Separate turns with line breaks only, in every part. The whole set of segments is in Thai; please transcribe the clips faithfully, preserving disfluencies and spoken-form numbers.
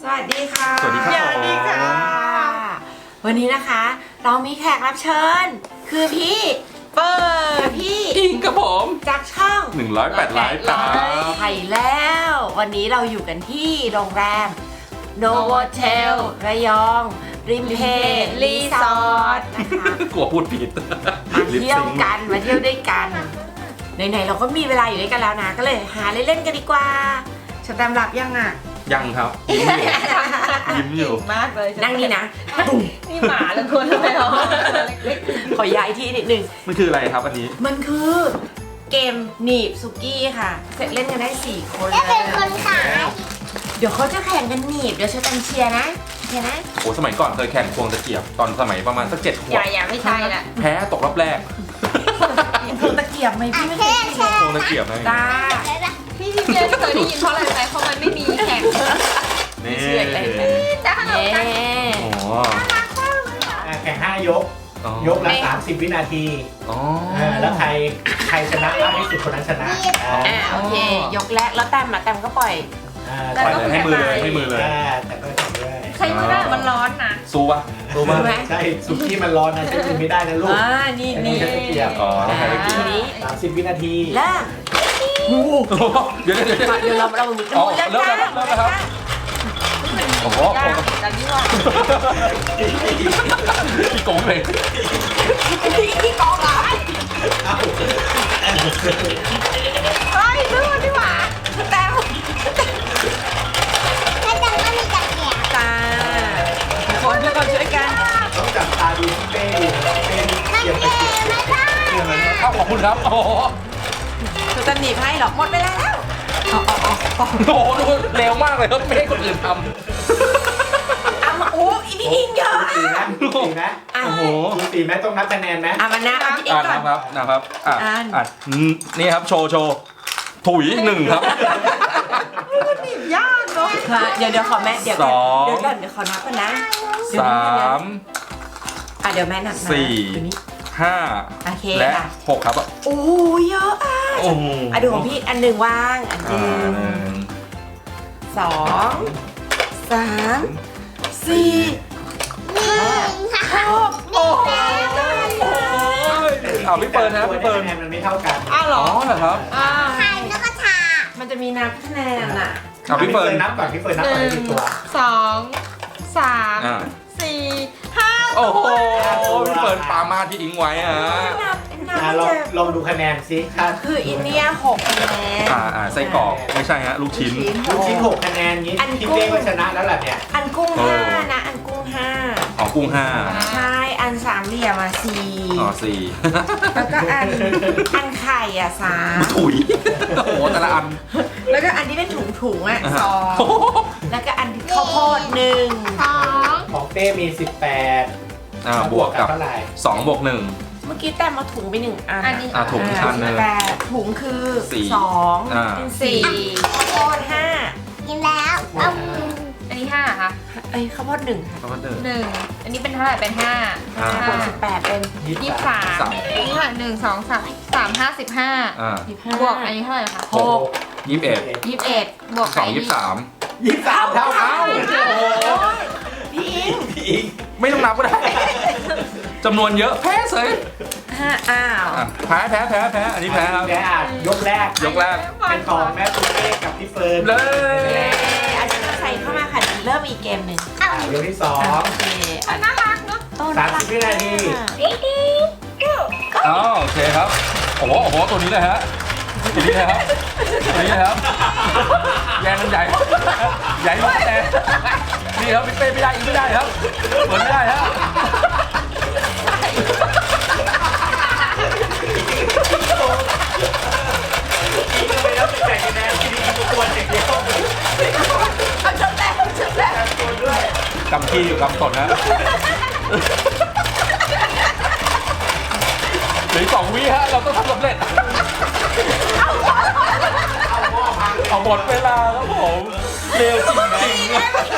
วัสดีค่ะ
สวัสดีครับ
สวัสดีค่ะ วันนี้นะคะเรามีแขกรับเชิญ คือพี่เปิดพี่
อิงกับผม
จากช่อง
หนึ่งร้อยแปดไลฟ์ครับ
ไทยแล้ว วันนี้เราอยู่กันที่โรงแรมโนโวเทลระยอง ริมเพรีสอร์ทนะคะ
กลัวพูดผิด
มาเที่ยวกันมาเที่ยวด้วยกันไหนๆเราก็มีเวลาอยู่ด้วยกันแล้วนะ ก็เลยหาเล่นๆกันดีกว่าชะตามหลับยังอ่ะ
ยังครับยิ้มอยู่ยิ้มอยู่
มากเลย
นั่งนี่นะ
นี่หมาหรือคนอะไรหรอ
ขอย้ายที่นิดนึง
มันคืออะไรครับอันนี้
มันคือเกมหนีบสุกี้ค่ะ เสร็จเล่นกันได้สี่คนเลย
เป็นคนขาย
เดี๋ยวเขาจะแข่งกันหนีบ เดี๋ยวฉันตันเชียร์นะเชียร์นะ
โอ้สมัยก่อนเคยแข่งควงตะเกียบตอนสมัยประมาณสักเจ็ดข
อ
วบ
ย่าอย่าไม่ใช่ละ
แพ้ตกรอบแรก
พวงตะเกียบไหมพี่ไม่เคยกินเลย
ควงตะเกียบนะ
จ้า
พี่พี่เจนเคยได้ยินเพราะอะไรไหมเพราะมันไม่มีแข่ง
นี่
เชื่ออะไรกัน
จ้า
เย้
โอ้
อ่ะแข่งห้ายก
อ๋อย
กละสามสิบวินาที
อ๋อ
อ่าแล้วใครใครชนะมากที่สุดคนนั้นชนะอ่า
อ่ะโอเค ยกแรกแล้วแต้มอะแต้มก็ปล่อย
อ่า
ปล่อยเลยให้มือเลยให้มือเลย
อ่าแต่ก็ทำด้วย
ใครไม่ได้มันร้อนนะ
สู้ปะสู้ปะ
สู้ไหม
ใช่สุกี้มันร้อนนะใช้มือไม่ได้นะลูก
อ่านี่นี่
ใช้ตะเกียบ
อ๋อต้องใช้ตะเกียบ
ทีนี้
สามสิบวินาที
เริ่ม
เดี๋ยวเดี๋ยวเดี๋ยว
เดี๋ยวเราเรา
อ๋อ
เรา
เริ่มแล้วครับเริ่มแล้วครับ โอ้โห
ยากแต่นี่ว่า
พี่โกงเลย
ที่กองเหรอ
เอ้า
เฮ้ยซื้อดีกว่าแต้ม
ถ้าจังก็มีตะเกียบ
จ้าทุกคนทุกคนช่วยกัน
ต้องจับตาดูที่เป้อยู่นะเป้
มัน
เกียบ
เก
ตะเกียบ
มไม่ได้
เกียบมันเนี่ย
เอ้าขอบคุณครับโอ้โห
คือจะหนีบให้หรอหมดเวลาแล้วอ๋ออ๋ออ๋อ
โอ้โหดูเร็วมากเลยครับไม่ให้คนอื่นท
เอามาโอ้อีพี่อิงเยอะ
ดูสีนะดูสีนะ
อ่ะ
ำโอ้โห
ดูสีไหมต้องนับคะแนนไหม
อ่ะมานะเอาพี่อิง
อ่า
ก่อน
นะครับนะครับอ่ะ
อ่าน
อ่ะอืมนี่ครับโชว์โชว์ถุยหนึ่งครับ
ยากเนาะเดี๋ยวเดี๋ยวขอแม่เดี๋ยวก่อน
สอง
เดี๋ยวก่อนเดี๋ยวขอนับก่อนนะเดี๋ยว
สา
นะเดี๋ยวนะ
ม
อ่ะเดี๋ยวแม่นับนะ
สี่
เดี๋ยวนี้
ห้า
โอเค
และ
ค่ะ
หกครับอ่ะ
โอ้เยอะอ่ะ
โอ้โห
อ่ะดูของพี่อันหนึ่งว่างอันห
อ่า
นึ่ง
หนึ่ง
สองสามสี่ห้าหกโอ้โห
อ้าวพี่เปิร์นนะพี่เปิร์น
คะแนนมันไม่เท่ากัน
อ้าวเหร
อ๋อ
อ
เหรอครับ
อ่า
ไข่แล้วก็ชา
มันจะมีนับคะแนนอ่ะ
อ่ะพี่เปิร์น
นับก่อนพี่เฟิร์นนับ
ห
ก่อน
นึ่
ได้
ง
กี่ตัว
สองสาม
อ่า
สี่ห้า
โอ้โหพี่เปิร์นปามาที่อิงไว้อ่ะ
นับนับ
อ่า
ไม่
ลอง
เจอ
ลองดูคะแนนซิค่ะ
คืออินเนียหกคะแนน
อ่าอ่าไส้กรอกไม่ใช่ฮะลูกชิ้น
ลูกชิ้นหกคะแนนนี้
อัน
พี่
กุ้ง
เป้ก็ชนะแล้วล่ะเนี่ย
อันกุ้ง
โอ้
ห้านะ อันกุ้งห้า
อ๋อกุ้งห้า
ใช่ อันสามเหลี่ยมอ่ะสี่
อ๋อสี่
แล้วก็อัน อันไข่อ่ะสาม
ถุยโอ้โหแต่ละอัน
แล้วก็อันที่เป็นถุงถุงๆอ่ะ
อ่า
สองแล้วก็อันที่ข้าวโพดหนึ่ง
สอง
ของเป้มีสิบแปด
อ่าบวกกับ
เท่าไหร่
สองบวกหนึ่ง
เมื่อกี้แต้มเอาถุงไปหนึ่งอัน
อันนี้
อ่ะถุง อันหนึ่ง
แปดถุงคือ
สี่
สอง
อ่า
เป็นสี่ข้าวโพดห้า
กินแล้วเอา
อันนี้ห้าค่ะ
เอ้ยข้าวโพดหนึ่งค่ะ
ประมาณหนึ่ง
หนึ่งอันนี้เป็นเท่าไหร่เป็นห้า
อ่า
บวกสิบแปดเป็น
ยี่
ยี่
สิ
สิ
บบ สาม
สามอันนี้เท่าไหร่หนึ่งสองสามสามห้าสิบห้า
อ่า
สิบห้า
บวกอันนี้เท่าไหร่คะ
หก
ยี่สิบเอ็ด
ยี่สิบเอ็ด
บวก
สองยี่สิบสาม
ยี่สิบสามเท่ากัน
พี่อิง
พี่อิง
ไม่ต้องนับก็ได้จำนวนเยอะแพ้เสย
ห้าอ้าว
อ่ะแพ้แพ้แพ้แพ้อันนี้แพ้ครับ
แพ้อ่ะยกแรก
ยกแรก
เป็นของแม่ปุ๊กเป้กับพี่เฟิร์น
เลย
เย้อาจารย์ใส่เข้ามาค่ะเริ่มอีกเกมหนึ่ง
อ่ะยกที่สอง
โอเคอัน
น่ารักเนาะ
ต้น
สามสิบวินาที
อ๋อโอเคครับโอ้โหโอ้โหตัวนี้เลยฮะตัวนี้เลยครับตัวนี้เลยครับแยงมันใหญ่ใหญ่มากแต่นี่ครับพี่เป้ไม่ได้อีกไม่ได้ครับเหมือนไม่ได้ฮะ
อิงก็ไปแล้วสิบแปดคะแนนที่นี่ทุกคนอย่างเดียว
เอาจบแล้วจบแล้ว
ตัวด้วย
กำขี้อยู่กำตดนะเหลืออกสองวิฮะเราต้องทำสำเร็จเอาหมดเวลาครับผมเร็วจริงๆอะ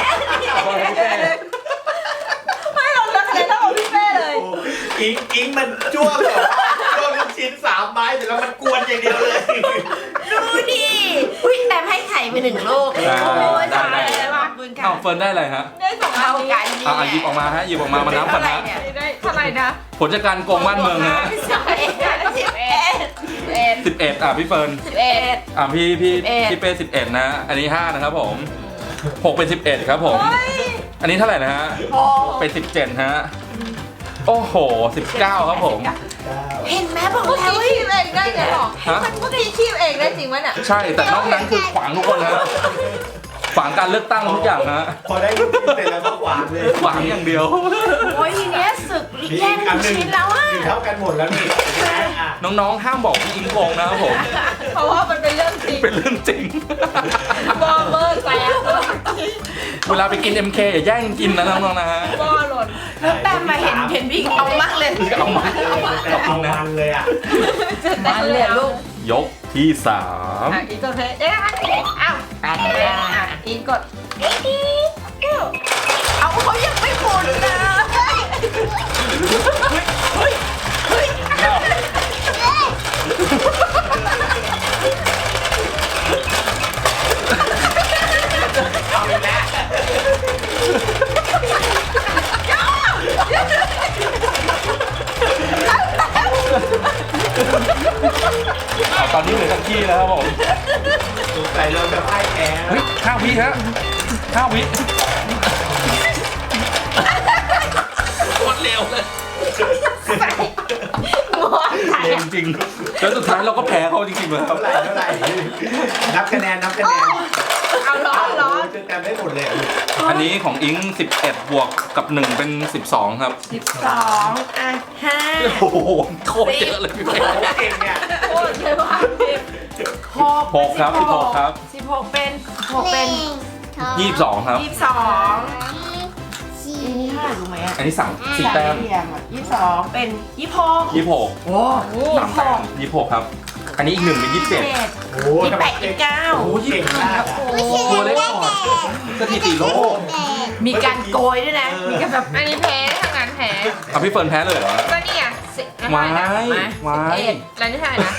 ไม่เราเลือกคะแนนเท่ากับพี่เป้เลย
อิงอิงมันจ้วงแบบว่าจ้วงลูกชิ้นสามไม้เสร็จแล้วมันกวนอย่างเดียวเลย
ดูดิอุ้ยแต้มให้ไข่ไปหนึ่งลูกโอ้ยตายแล้วบุญคุณค่ะ
อ้าวเฟิร์นได้อะไรฮะ
ได้สองอัน
เท่า
นี้
กันนี่
อ่ะหยิบออกมาฮะหยิบออกมามานับกัน
เท่าไหร่
ฮะ
เนี่ย
ได้เท่าไหร่นะ
ผลจากการโกงบ้านเมืองฮะ
สิบเอ็ดสิบเอ็ด
เอ็ด
สิบเอ็ดอ่ะพี่เฟิร์น
สิบเอ็ด
อ่ะพี่พี่
สิบเอ็ด
พี่เป้สิบเอ็ดนะ อันนี้ห้านะครับผมหกเป็นสิบเอ็ดครับผม อันนี้เท่าไหร่นะฮะ
โอ้
เป็นสิบเจ็ดฮะโอ้โหสิบเก้าครับผม
เห็นไหมบอก
เมื่อ
แล้ว
กี้คีบเองได้ไงหรอ
ฮะ
เมื่อกี้คีบเองได้จริงไหมเนี่ย
ใช่แต่นอกนั้นคือขวางทุกคนฮะขวางการเลือกตั้งทุกอย่างฮะ
พอได้ลูกชิ้นเสร็จแล้วก็หวานเลย
ขวางอย่างเดียว
โอ้ยทีเนี้ยศึกแย่งลูกชิ้นแล้วอ่ะ
มีเท่ากันหมดแล้วนี่อ่ะ
น้องๆห้ามบอกพี่อิงโกงนะครับผม
เพราะว่ามันเป็นเรื่องจริง
เป็นเรื่องจริง
บอเบอร์แตก
เวลาไปกิน เอ็ม เค อย่าแย่งกินนะน้องๆนะฮะ
บอหล่น
แล้วแต้มมาเห็นเห็นพี่เอามากเลย
เอามา
แต่เอามันเลยอ่ะ
มันเลยลูก
ยกที่สาม
อ่ะอีกตัวเพชรเอ๊ะอ้าว
แปดแปด
อ่ะอีกกด
เอาเขายังไม่หมดนะ
เอาตอนนี้เหลือสักที่แล้วครับผม
สงสัยเราจะพ่ายแพ้
เฮ้ยห้าวิฮะห้าวิโคตรเร็วเลย เร็วจริงๆแล้วสุดท้ายเราก็แพ้เขาจริงๆเลยครับ
เท่าไหร่เท่าไหร่นับคะแนนนับคะแนน
เอาร้อนร้อน
จนจำได้หมดเลย
อันนี้ของอิงสิบเอ็ดบวกกับหนึ่งเป็นสิบสองครับ
สิบสองอ่ะห้า
โอ้โหโคตรเยอะเลยพี่เป้
เก่งเนี่ย
โคตรเลยว่า
หก
หกครับสิบหกครับ
สิบหกเป็นหกเป็น
ยี่สิบสองครับ
ยี่สิบสอง
สี่
อันนี้เท่าไหร่รู้ไหมอ่ะ
อันนี้สั่งสี่แต้ม
เรียงอ่ะยี่สิบสองเป็นยี่สิบหก
ยี่สิบหก
โอ้
สามแต้มยี่สิบหกครับ อันนี้อีกหนึ่งเป็นยี่สิบเจ็ด
โอ้โห
ยี่สิบแปดยี่สิบเก้า
โอ้ย
เก่งมาก
โอ้
ตัวเล็กกว่าสถิติโลก
มีการโกยด้วยนะ มีการแบบ
อันนี้แพ้ทางงานแพ้
เอาพี่เฟิร์นแพ้เลยเหรอ
ก็นี่อ่ะสิบ
วาย
นะ
วาย
เอ็ดแล้วนี่เท่าไหร่นะ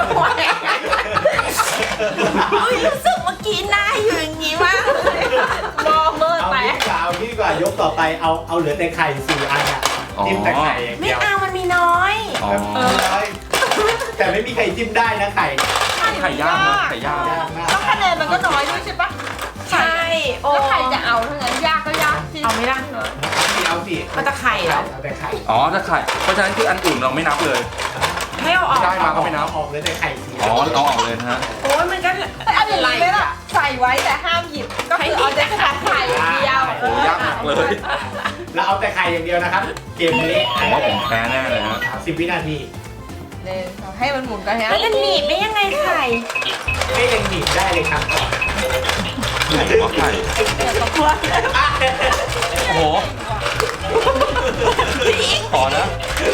เฮ้ยรู้สึกเมื่อกี้หน้าอยู่อย่างนี้มากเลย
บอเบอร์
เอา
แต
งี้
ก
ดีกว่าเอางี้ดีกว่ายกต่อไปเอาเอาเหลือแต่ไข่สี่อันอ่ะจิ้มแต่ไข่อย่าง
ไม่
เดียว
เอามันมีน้อย
อ๋อ
แต่ไม่มีใครจิ้มได้นะไข่
ไข่ย่างนะไข่ย่าง
ยากมาก
แล้วคะแนนมันก็น้อยด้วยใช่ปะ
ใช่โอ้
แล้วใครจะเอาทั้งนั้นยากก็ยากที่
เอาไม่ได้
เอาสิ
มันจะไข่เหรอ
เอาแต่ไข่
อ๋อถ้าไข่ เพราะฉะนั้นคืออันอื่นเราไม่นับเลย
ไม่เอาออก
ได้มาก็ไม่นับ
ออกเลยแต่ไข่สี่
อ๋อเอาออกเลยนะฮะ
โอ้ยมันก็
แต่เอาอย่างนี้ไหมล่ะใส่ไว้แต่ห้ามหยิบก็คือเอาแต่ไข่อย่างเดียว
โอ้ยากหนักเลย
แล้วเอาแต่ไข่อย่างเดียวนะครับ เกมนี้
ผมว่าผมแพ้แน่เลยฮะ
สิบวินาที
เลยให้มันหมุนกันฮะ
แล้วจะหนีบได้ยังไงไข่
ไม่ยังหนีบได้เลยครับ
ขอไข่โอ้โห ขอนะ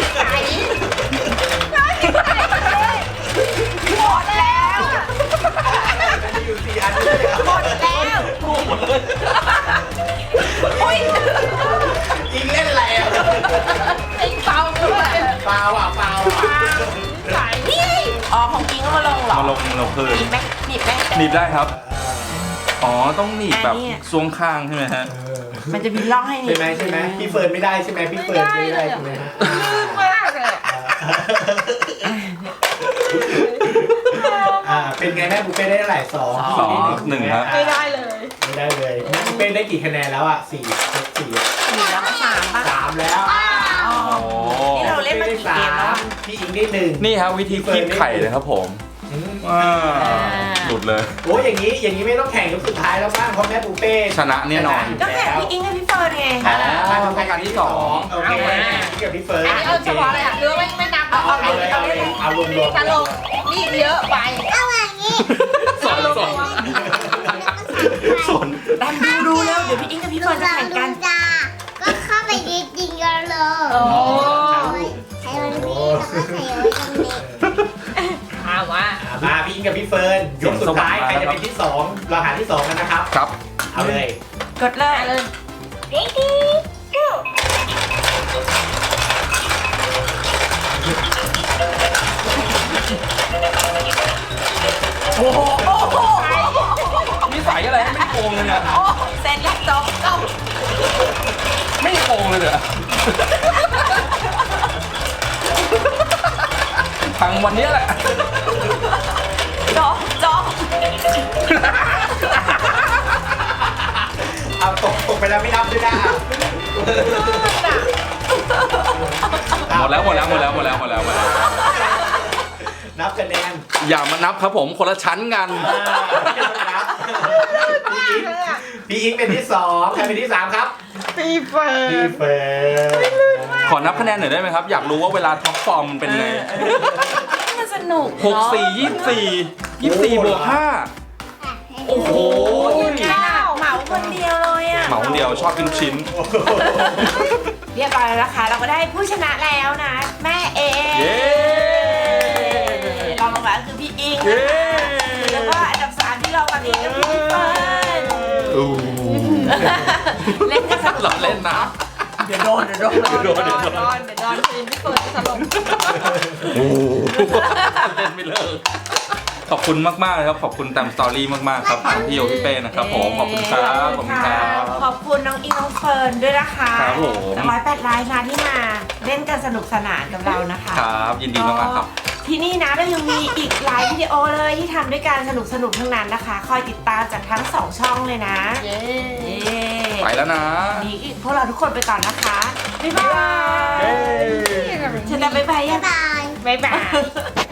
หมดแล้ว
มันมีอยู่สี่อันเลยครับ
หมดแล้ว
หมดเลย
อุ้ย
ยิงเล่นอะไรอ่ะ
ไอ้เปาด้วย
เปล่าอ่ะเปล่าอ่ะ
ใส่
นี่อ๋อของจริงก็มาลงเหรอ
มาลงเราคื
ห
น
นีบไหมหนีบไหม
หนีบได้ครับ อ๋อ ต้องหนีบแบบ
อันนี้
ซวงข้างใช่ไหมฮะ
มันจะมีร่องให้หนี
ใช่
บ
ไหมใช่ไหมพี่เฟิร์นไม่ได้ใช่ไหมพี่เฟิร์นไม่ได้ใช่ไหมฮะ
มากเลย
อ่าเป็นไงแม่บุฟเป้ได้เท่าไหร่สอง
สองหนึ่งฮะ
ไม่ได้เลย
ไม่ได้เลยแม่บุฟเป้ได้กี่คะแนนแล้วอ่ะสี่สี่
หนีบแล้วก็สามป่ะ
สามแล้ว
อ๋อ
โอ้
นี่เราเล่นมากี่เกมแล้วอะ
พี่อิงได้หนึ่ง
นี่ครับวิธีคีบไข่เลยครับผม
อืม
ว้าวหลุดเลย
โอ้ยอย่างนี้อย่างนี้ไม่ต้องแข่งยกสุดท้ายแล้วบ้างเพราะแม่บุฟเป้
ชนะแน่นอน
ก็แข่งพี่อิงกับพี่เฟิร์นไง
อ๋อต้องการที่สอง
โอเคพี่กับพี่เฟิร์น
อันนี้เอาเฉพาะเลยอ่ะหรือว่าไม่ไม่นับ
เอาเอา
เอาเลยเอาเลยเอารวมรวม
ตลกนี่เยอะไป
เอาอย่างนี้
สอนสอนสอน
แต้มดูดูแล้วเดี๋ยวพี่อิงกับพี่เฟิร์นจะแข่งกัน
จ้าก็เข้าไปยิงยิงกันเลย
โอ้
ใช้วันนี้แล้วก็ใส่ไว้ตรงนี้
อาว่า
อ่ะมาพี่อิงกับพี่เฟิร์นยกสุดท้ายใครจะเป็นที่สองเราหาที่สองกันนะครับ
ครับ
เอาเลย
กดเลย
เลย
ready go
โอ้โหโอ้โห
มีส
สัยอะไรให้ไม่โกงเลยเนี่ย
โอ้เสร็จแล้วจบจบ
ไม่โกงเลยเนี่ยทางวันนี้แหละ
จบจบ
เอาตกตกไปแล้วไม่นับด้วยนะ
หมดแล้วหมดแล้วหมดแล้วหมดแล้วหมดแล้วหมดแล้ว
นับคะแนน
อย่ามานับครับผมคนละชั้นกัน
พี่อิงเป็นที่สองใครเป็นที่สามครับ
ปีเฟิร์
พี่
น
เฟิร์น
ขอนับคะแนนหน่อยได้ไหมครับ อยากรู้ว่าเวลาท็อปฟอร์มมันเป็นไง
มันสนุก
หกสี่ยี่สี่ยี่สี่บวกห้าโอ้โห
ข้าวเหมาคนเดียวเลยอ่ะ
เหมาคนเดียวชอบกินลูกชิ้น
เรียบร้อยแล้วนะคะ เราก็ได้ผู้ชนะแล้วนะ แม่เอ
เย้
รองลงมาคือพี่อิง
เย้
แล้วก็อันดับสามที่เราวันนี้ก็คือพี่เฟิร์น
อู้
เล่นกันสนุก
เราเล่นนะ
เดี๋ยวโดนเดี๋ยวโดน
เดี๋ยวโดนเดี๋ยวโดน
โดนเดี๋ยวโดนทีมพี่เฟิร์นถล่ม
โอ้เล่นไม่เลิกขอบคุณมากๆเลยครับ ขอบคุณแตมสตอรี่มากๆครับทั้งพี่โยพี่เป้นะครับผม ขอบคุณครับ ขอบคุณครับ
ขอบคุณน้องอิงน้องเฟิร์นด้วยนะคะ
ครับผม
ร้อยแปดไลน์นะที่มาเล่นกันสนุกสนานกับเรานะคะ
ครับ ยินดีมากๆครับ
ที่นี่นะเรายังมีอีกหลายวิดีโอเลยที่ทำด้วยกันสนุกสนุกๆทั้งนั้นนะคะ คอยติดตามจากทั้งสองช่องเลยนะ
เย้
เย้
ไปแล้วนะ
นี่พวกเราทุกคนไปก่อนนะคะ บ๊ายบาย
เย้
ฉันจะบ๊ายบายยัง
บาย
บ๊ายบาย